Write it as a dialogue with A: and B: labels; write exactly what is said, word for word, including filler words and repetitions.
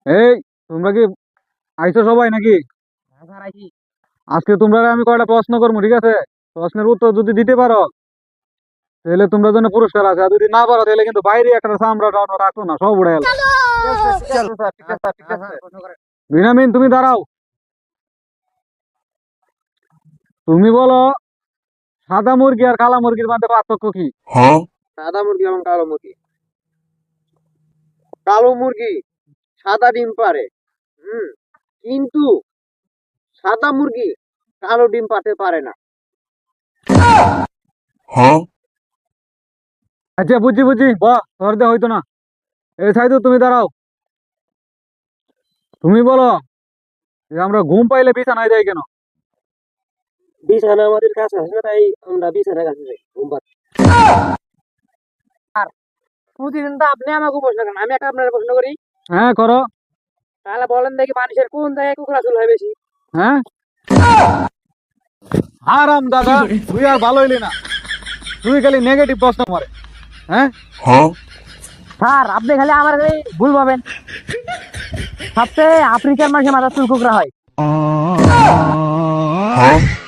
A: এই তোমরা কি আইছো সবাই নাকি? আজকে তোমরা আমি কয়টা প্রশ্ন করবো, ঠিক আছে? প্রশ্নের উত্তর যদি দিতে পারো তাহলে তোমরা জন্য পুরস্কার আছে, আর যদি না পারো তাহলে কিন্তু বাইরে একটা চামড়া টামড়া রাখো না, সব উড়ে গেল। বিনামিন তুমি দাঁড়াও। তুমি বলো, সাদা মুরগি আর কালা মুরগির মধ্যে পার্থক্য কি?
B: সাদা মুরগি এবং কালো মুরগি। কালো মুরগি সাদা ডিম পারে, হুম, কিন্তু সাদা মুরগি কালো ডিম পারতে পারে না।
A: আচ্ছা বুঝছি বুঝছি, বাহ তোর দিয়ে হইতো না। এই সাইদু তুমি দাঁড়াও। তুমি বলো যে আমরা ঘুম পাইলে বিছানায় যাই কেন?
B: বিছানা আমাদের কাছে আছে না, তাই আমরা বিছানার কাছে যাই ঘুম পাড়তে। আর প্রতিদিন তো আপনি আমাকে প্রশ্ন করেন, আমি একটা আপনার প্রশ্ন করি।
A: হ্যাঁ করো।
B: তাহলে বলেন দেখি, মানুষের কোন জায়গায় কুকুরা চুল হয় বেশি?
A: হ্যাঁ আরাম দাদা, তুই আর ভালো হইলি না, তুই খালি নেগেটিভ প্রশ্ন মারে। হ্যাঁ
B: স্যার আপনি খালি আমার খালি ভুল পাবেন। সবচেয়ে আফ্রিকার মানুষের মাথা চুল কুকুরা হয়।